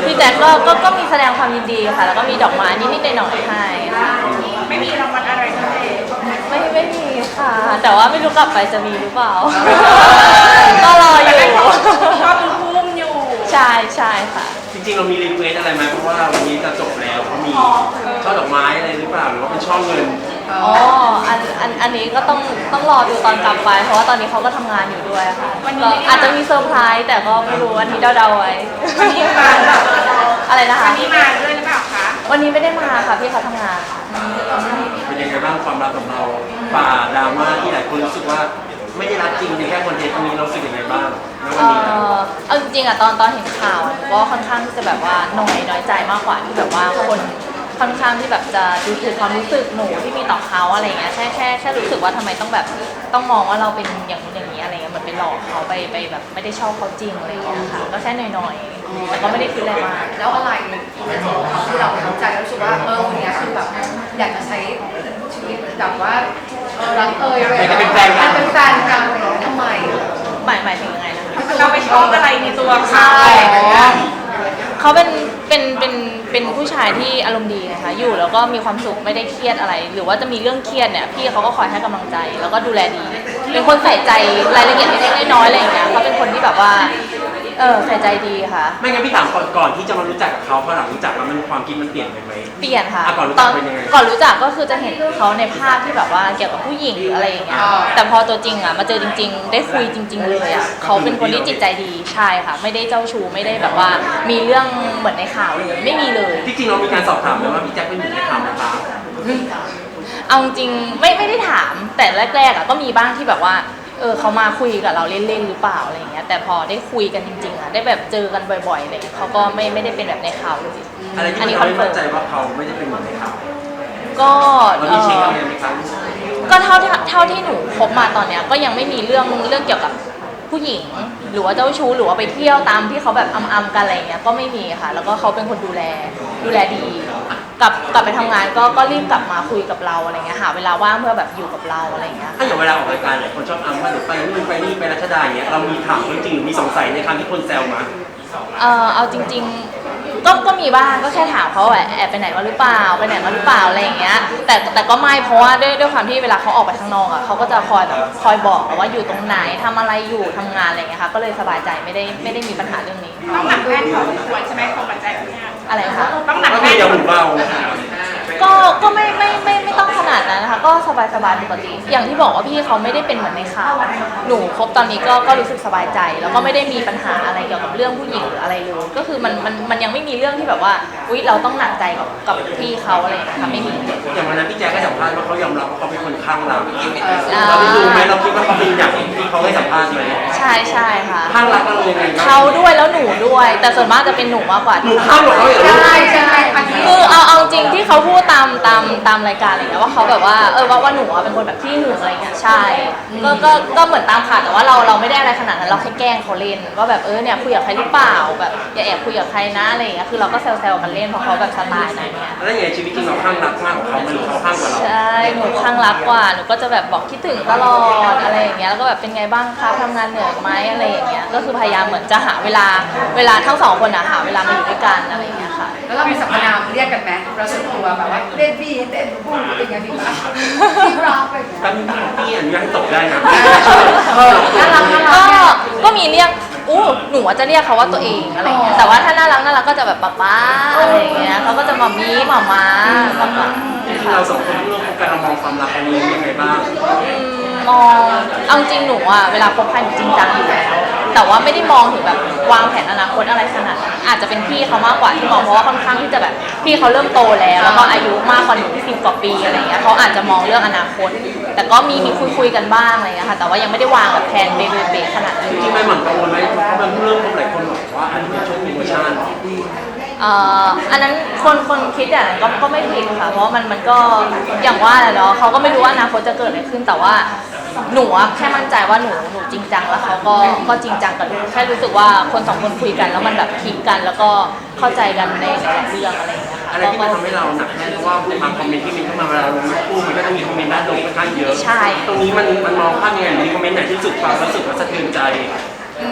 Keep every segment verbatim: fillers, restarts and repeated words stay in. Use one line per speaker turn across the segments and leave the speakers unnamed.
พี่แจ็คก็ก็ก็มีแสดงความยินดีค่ะแล้วก็มีดอกไม้นิดๆหน่อยๆให้
ไม่มีรางวัลอะไรทั้งนั้น
ไม่ไม่มีค่ะ แต่ว่าไม่รู้กลับไปจะมีหรือเปล่าก็รออยู่
ก็คือพุ่มอยู่
ใช่ใช่ค่ะ
จริงๆเรามีรีเควสอะไรไหมเพราะว่าวันนี้จะจบแล้วเขามีช่อดอกไม้อะไรหรือเปล่าหรือว่าเป็นช่อเงิน
อ๋ออันอันอันนี้ก็ต้องต้องรอดูตอนกลับไปเพราะว่าตอนนี้เขาก็ทำงานอยู่ด้วยค่ะก็อาจจะมีเซอร์ไพรส์แต่ก็ไม่รู้วันนี้เดาๆไว้
วันนี้มา
อะไรนะคะ
วันนี้มาด้วยหรือเปล่าคะ
วันนี้ไม่ได้มาค่ะพี่เขาทำงาน
เป็นยังไงบ้างความรักของเราฝ่าดราม่าที่หลายคนรู้สึกว่าไม่ได้รักจริงในแค่คอนเทนต์ตรงนี้เราสึกยังไงบ้างในวันนี้
เอาจริงๆอะตอนตอนเห็นข่าวก็ค่อนข้างที่จะแบบว่าน้อยน้อยใจมากกว่าที่แบบว่าคนค่อนข้างที่แบบจะดูถูกความรู้สึกหนูที่มีต่อเขาอะไรเงี้ยแค่แค่แค่รู้สึกว่าทำไมต้องแบบต้องมองว่าเราเป็นอย่างนี้อย่างนี้อะไรเงี้ยเหมือนไปหลอกเขาไปไปแบบไม่ได้ชอบเขาจริงอะไรเงี้ยค่ะก็แค่น้อยๆแต่ก็ไม่ได้คิดอะไรมาก
แล้วอะไรที่เราเข้าใจแล้วรู้สึกว่าเออคนนี้คือแบบอยากจะใช้ชีวิตแบบว่าเออรักเอยอะไรเป็นแฟนกันเป็นแฟนกันทำไม
หมายหมายถึงยังไงนะคะ
เราไปชอบอะไรในตัวเขา
เขาเป็นเป็นเป็นเป็นผู้ชายที่อารมณ์ดีนะคะอยู่แล้วก็มีความสุขไม่ได้เครียดอะไร หรือว่าจะมีเรื่องเครียดเนี่ยพี่เขาก็คอยให้กำลังใจแล้วก็ดูแลดีเป็นคนใส่ใจรายละเอียดเล็กๆน้อยๆอะไรอย่างเงี้ยเขาเป็นคนที่แบบว่าเออใส่ใจดีค่ะ
ไม่งั้นพี่ถามก่อนก่อนที่จะมารู้จักกับเขาพอหลังรู้จักแล้วมันความคิดมันเปลี่ยนไปไหม
เปลี่ยนค่ะ
ก่อนรู้จักเป็นยังไง
ก่อนรู้จักก็คือจะเห็นเขาในภาพที่แบบว่าเกี่ยวกับผู้หญิงหรืออะไรอย่างเงี้ยแต่พอตัวจริงอ่ะมาเจอจริงๆได้คุยจริงๆเลยอ่ะเขาเป็นคนที่จิตใจดีใช่ค่ะไม่ได้เจ้าชู้ไม่ได้แบบว่ามีเรื่องเหมือนในข่าวเลยไม่มีเลย
ที่จริงเรามีการสอบถามไหมว่าพี่แจ็คเป็นหนึ่งในข่าวไหมคะ
เอาจริงไม่ไม่ได้ถามแต่แรกๆอ่ะก็มีบ้างที่แบบว่าเออเขามาคุยกับเราเล่นๆหรือเปล่าอะไรอย่างเงี้ยแต่พอได้คุยกันจริงๆอ่ะได้แบบเจอกันบ่อยๆอะไรเลยเขาก็ไม่ไม่ได้เป็นแบบในข่าวเลย
อะไรที่เราไม่มั่นใจว่าเขาไม่ได้เป็นเหมือนในข่าว
ก็
เรามีเช็คอะไรไหมครับ
ก็เท่าเท่าที่หนูคบมาตอนเนี้ยก็ยังไม่มีเรื่องเรื่องเกี่ยวกับผู้หญิงหรือว่าเจ้าชู้หรือว่าไปเที่ยวตามที่เขาแบบอำๆกันอะไรเงี้ยก็ไม่มีค่ะแล้วก็เขาเป็นคนดูแลดูแลดีกลับกลับไปทำงานก็ก็รีบกลับมาคุยกับเราอะไรเงี้ยหาเวลาว่างเพื่อแบบอยู่กับเราอะไรเงี้ย
ถ้าอย่างเวลาออกรายการหลายคนชอบอ้างว่าเดี๋ยวไปนู่นไปนี่ไปรัชดาอย่างเงี้ยเรามีถามจริงๆมีสงสัยในคำที่คนแซวมา
เออเอาจริงๆก็ก็มีบ้างก็แค่ถามเขาแอบแอบไปไหนมาหรือเปล่าไปไหนมาหรือเปล่าอะไรอย่างเงี้ยแต่แต่ก็ไม่เพราะว่าด้วยด้วยความที่เวลาเขาออกไปข้างนอกอ่ะเขาก็จะคอยแบบคอยบอกว่าอยู่ตรงไหนทำอะไรอยู่ทำงานอะไรเงี้ยค่ะก็เลยสบายใจไม่ได้ไม่ได้มีปัญหาเรื่องนี้
ต้องหนักแน่นพอสมควรใช่ไหมของปัจจัยนี้
อะไรคะ
ต้องหนักแน่น
อย่าหมุนเบา
ก็ก็ไม่ไม่ไม่ไม่ต้องขนาดนั้นนะคะก็สบายสบายปกติอย่างที่บอกว่าพี่เขาไม่ได้เป็นเหมือนในข่าวหนูคบตอนนี้ก็ก็รู้สึกสบายใจแล้วก็ไม่ได้มีปัญหาอะไรเกี่ยวกับเรื่องผู้หญิงหรืออะไรเลยก็คือมันมันมันยังไม่มีเรื่องที่แบบว่าอุ๊ยเราต้องหนักใจกับกับพี่เขาอะไรนะคะไม่มี
อย่างวันนั้นพี่แจ๊คก็สัมภาษณ์ว่าเขายอมรับว่าเขาเป็นคนข้างรักเราได้ดูไหมเราคิดว่าเขาเป็นอย่างที่เขาให้สัมภาษณ์ไหม
ใช่ใช่ค่ะ
ข้างรักเรายังไง
เขาด้วยแล้วหนูด้วยแต่ส่วนมากจะเป็นหนูมากกว่า
หนูข้างหรอ
ใช่ใช่
คือเอาเอาจริงที่เขาพูดตามตามตามรายการอะไรเงี้ยว่าเขาแบบว่าเออว่าว่าหนูเป็นคนแบบที่หึงอะไรเงี้ยใช่ก็ก็ก็เหมือนตามข่าวแต่ว่าเราเราไม่ได้อะไรขนาดนั้นเราแค่แกล้งเขาเล่นว่าแบบเออเนี่ยคุยกับใครหรือเปล่าแบบอย่าแอบคุยกับใครนะอะไรเงี้ยคือเราก็แซวๆกันเล่นเพราะเขาแบบสไตล์นั้นเนี่ย
แล้วอย่างชีวิตจริงเราข้างรักมากกว่าเขาหรือเขาข้างกว่าเรา
ใช่หนูข้างรักกว่าหนูก็จะแบบบอกคิดถึงตลอดอะไรอย่างเงี้ยแล้วก็แบบเป็นไงบ้างคะทำงานเหนื่อยไหมอะไรอย่างเงี้ยก็คือพยายามเหมือนจะหาเวลาเวลาทั้งสองคนอะหาเวลามาอยู่ด้วยกันอะไรอย่างเงี้ยค่ะ
แล้วเรามีสรรพนามเรียกกันไหมเราส่วนตัวแบบว่าเบบี้เบบี้พูดเป็นยังไงพี่คะพี่รักเป็น
ตอนนี้พี่อนุญาตให้ตกได้นะ
น่ารักน่ารัก
ก็ก็มีเรียกอู้หนูจะเรียกเขาว่าตัวเองอะไรเงี้ยแต่ว่าถ้าน่ารักน่ารักก็จะแบบป๊าป๊าอะไรเงี้ยเขาก็จะมามีหม่าม้า
เราสองคนร่วมกันเรามองความรักอันนี้ยังไงบ้าง
มองเอาจริงหนูอะเวลาคบใครหนูจริงจังอยู่แล้วแต่ว่าไม่ได้มองถึงแบบวางแผนอนาคตอะไรขนาดนั้นอาจจะเป็นพี่เขามากกว่าที่มองเพราะว่าค่อนข้างที่จะแบบพี่เขาเริ่มโตแล้วแล้วก็อายุมากกว่าหนูสิบกว่าปีอะไรเงี้ยเขาอาจจะมองเรื่องอนาคตแต่ก็มีมีคุยคุยกันบ้างอะไรเงี้ยค่ะแต่ว่ายังไม่ได้วางแบบแผนเบๆขนาดนั้น
จริงๆไม่หมั่นกังวลไหมเพราะมันเรื่องหลายคนบอกว่าอันนี้เป็นช่วงโปรโมชั่น
เอ่ออันนั้นคนคนคิดอย่างนั้นก็ก็ไม่ผิดค่ะเพราะมันมันก็อย่างว่าแหละเนาะเขาก็ไม่รู้ว่าอนาคตจะเกิดอะไรขึ้นแต่ว่าหนูแค่มั่นใจว่าหนูหนูจริงจังแล้วเขาก็ก็จริงจังกับหนูแค่รู้สึกว่าคนสองคนคุยกันแล้วมันแบบคลิกกันแล้วก็เข้าใจกันในหลายเรื่องอะไรอย่างเงี้ยค่ะ
อะไรที่มันทำให้เราหนักแน่นเพราะว่าบางคอมเมนต์ที่มีเข้ามาเวลาลงรูปมันก็จะมีคอมเมนต์ด้านลบค่อนข้างเยอะ
ใช่
ตรงนี้มันมันมองภาพยังไงมีคอมเมนต์ไหนที่สุดฟังแล้วรู้สึกว่าสะเทือนใจ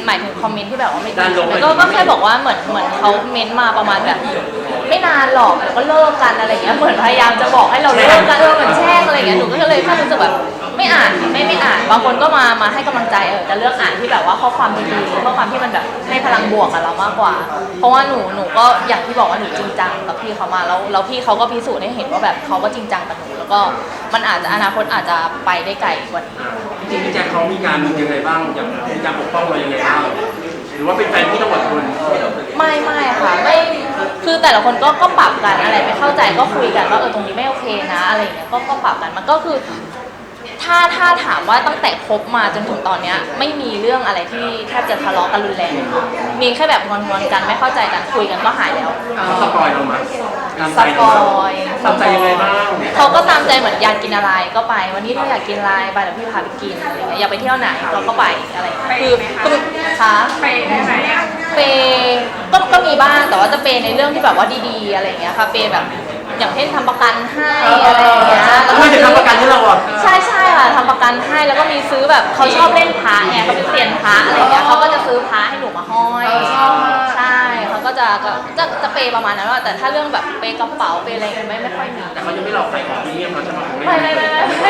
หมายถึงคอมเมนต์ที่แบบว่าไม่ดี
ด้านลบ
ก็ก็แค่บอกว่าเหมือนเหมือนเขาเม้นต์มาประมาณแบบ ไม่นานหรอกแล้วก็เลิกกันอะไรเงี้ยเหมือนพยายามจะบอกให้เราเลิกกันเออเหมือนแช่งอะไรเงี้ยหนูก็เลยแค่รู้สึกแบบไม่อ่านไม่ไม่อ่านบางคนก็มามาให้กำลังใจเออจะเลือกอ่านที่แบบว่าข้อความดีๆข้อความที่มันแบบให้พลังบวกกับเรามากกว่า เพราะว่าหนูหนูก็อย่างที่บอกว่าหนูจริงจังกับพี่เขามาแล้วแล้วพี่เขาก็พิสูจน์ให้เห็นว่าแบบเขาก็จริงจังกับหนูแล้วก็มันอาจจะอนาคตอาจจะไปได้ไกลกว่านี้
จริงๆพี่แจ็คเขามีการยังไงบ้างอย่างมีการปกป้องเรายังไงบ้างหรือว่าเป็นแฟนที่ต้องอดทน
ไม่ไม่ค่ะไม่คือแต่ละคนก็ก็ปรับกันอะไรไม่เข้าใจก็คุยกันว่าเออตรงนี้ไม่โอเคนะอะไรอย่างเงี้ยก็ก็ปรับกันมันก็คือ ถ้าถ้าถามว่าตั้งแต่คบมาจนถึงตอนเนี้ยไม่มีเรื่องอะไรที่แทบจะทะเลาะกันรุนแรงมีแค่แบบงอนๆกันไม่เข้าใจกันคุยกันก็หายแล้ว
เขาสปอยเราไหมตาม
ส
ใจ
ป
เรา
อ
ไหม
ย
ตามใจยังไงบ้าง
เขาก็ตามใจเหมือนอยากกินอะไรก็ไป วันนี้ถ้าอยากกินอะไรไปเดี๋ยวพี่พาไปกินอะไรเงี้ยอยากไปเที่ยวไหนเราก็ไปอะไรเงี้ยคือคือคะ
ไปได้ไหมอ่ะ
เปย์ก็ก็มีบ้างแต่ว่าจะเปย์ในเรื่องที่แบบว่าดีๆอะไรเงี้ยค่ะเปย์แบบอย่างเช่นทำประกันให้อะไรอย่างเงี้ยแล้วก็
ไม่ได้ทำประกันให้เราอ่ะ
ใช่ใช่ค่ะทำประกันให้แล้วก็มีซื้อแบบเขาชอบเล่นพระไงเขาเป็นเซียนพระอะไรเงี้ยเขาก็จะซื้อพระให้หนูมาห้อย
เออชอบมาก
ใช่เขาก็จะก็จะจะเปย์ประมาณนั้นว่าแต่ถ้าเรื่องแบบเปย์กระเป๋าเปย์อะไรเงี้ยไม่ไม่ค่อยมี
แต่เขายังไม่หลอกใส่ของพรีเมียมเราใช่ไหมของเล่น
ไม่ไม่ไม่ไม่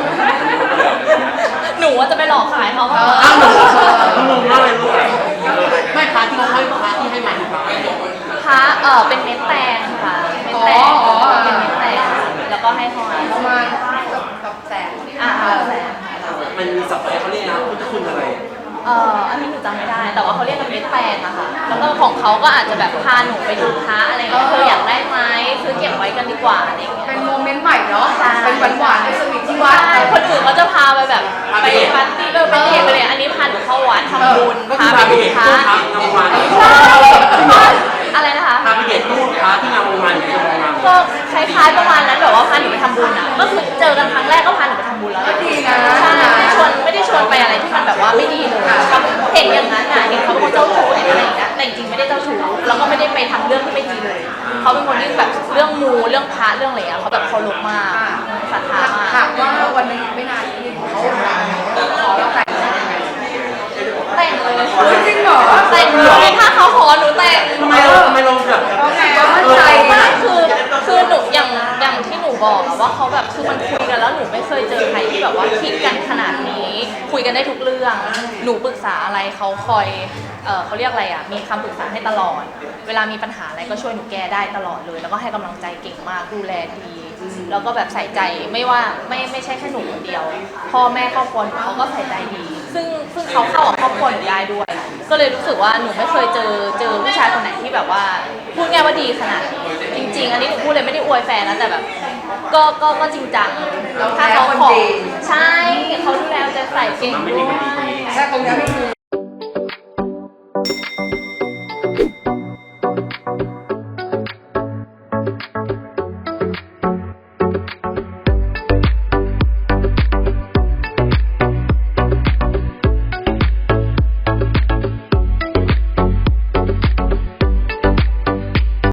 หนูว่าจะไปหลอกขายเขาเพราะว่า
อ้าวหนูงงมากเลยลูกไม่พาที่เขาให้พาที่ให้มาคือพา
พระเออเป็นเม็ดแตงค่ะเม็ดแตง
อ๋ออ๋อ
เป็นเม็ดแตงแล้วก็ให้ห้อย
ประมาณกับกับแสน
อ่าแสน
มันมีสับอะไรเขาเรียกนะพุทธคุณอะไร
เอออันนี้หนูจำไม่ได้ แต่ว่าเขาเรียกกันเม็ดแตงอะค่ะแล้วก็ของเขาก็อาจจะแบบพาหนูไปดูพระอะไรเงี้ยเธออยากได้ไหมซื้อเก็บไว้กันดีกว่าอะไรเงี้ย
เป็นโมเมนต์ใหม่เนาะ
ใช่
เป็นหวานๆเป็นสวีทที่วัด
ใช่คนอื่นเขาจะพาไปแบบไปปาร์ตี้เออไปเดทไปเลยอันนี้พาหนูเข้าวัดทำบุญ
ก็คือ
พา
พา
ไป
ไป
ดู
เด็ก
พระ
ตู้พระงามวาน
ใช่อะไรนะคะ
พาไปเด็กตู้พระที่งามวานอยู่ที่งามวาน
ก็คล้ายๆประมาณนั้นแบบว่าพาหนูไปทำบุญอ่ะก็คือเจอกันครั้งแรกก็พาหนูไปทำบุญแล้ว
ก็ดีนะ
ใช่ไม่ได้ชวนไม่ได้ชวนไปอะไรที่มันแบบว่าไม่ดีเลยเห็นอย่างนั้นอ่ะเห็นเขาเป็นคนเจ้าชู้เห็นอะไรอย่างเงี้ยแต่จริงๆไม่ได้เจ้าชู้แล้วก็ไม่ได้ไปทำเรื่องที่ไม่ดีเลยเขาเป็นคนที่แบบเรื่องมูเรื่องพระเรื่องอะไรเงี้ยเขาแบบเคารพมากศรัทธามาก
ถามว่าวันหนึงไม่นานนี้เขาขอเราแต่งงานยังไง
แต่งเลย
เฮ้ยจริงเหรอ
แต่งเลยถ้าเขาขอหนูแต่ง
ทำไมเราทำไมเราแบบ
เขาไงว่ามั่นใจ
ไม่คือคือหนูอย่างอย่างที่หนูบอกอะว่าเขาแบบคือมันคุยกันแล้วหนูไม่เคยเจอใครที่แบบว่าคิดกันขนาดนี้ คุยกันได้ทุกเรื่อง หนูปรึกษาอะไรเขาคอยเออเขาเรียกอะไรอะมีคำปรึกษาให้ตลอด เวลามีปัญหาอะไรก็ช่วยหนูแก้ได้ตลอดเลย แล้วก็ให้กำลังใจเก่งมากดูแลดีแล้วก็แบบใส่ใจไม่ว่าไม่ไม่ใช่แค่หนูคนเดียว พ่อแม่ครอบครัวหนูเขาก็ใส่ใจดี ซึ่งซึ่งเขาเข้ากับครอบครัวหนูได้ด้วย ก็เลยรู้สึกว่าหนูไม่เคยเจอเจอผู้ชายคนไหนที่แบบว่าพูดง่ายว่าดีขนาดนี้จริง ๆ อันนี้หนูพูดเลยไม่ได้อวยแฟนนะแต่แบบ ก็ก็ก็จริงจังถ้าเขาขอใช่เขาดูแลเอาใจใส่เก่งด้วย
แค่ตรงนี้ไม่มี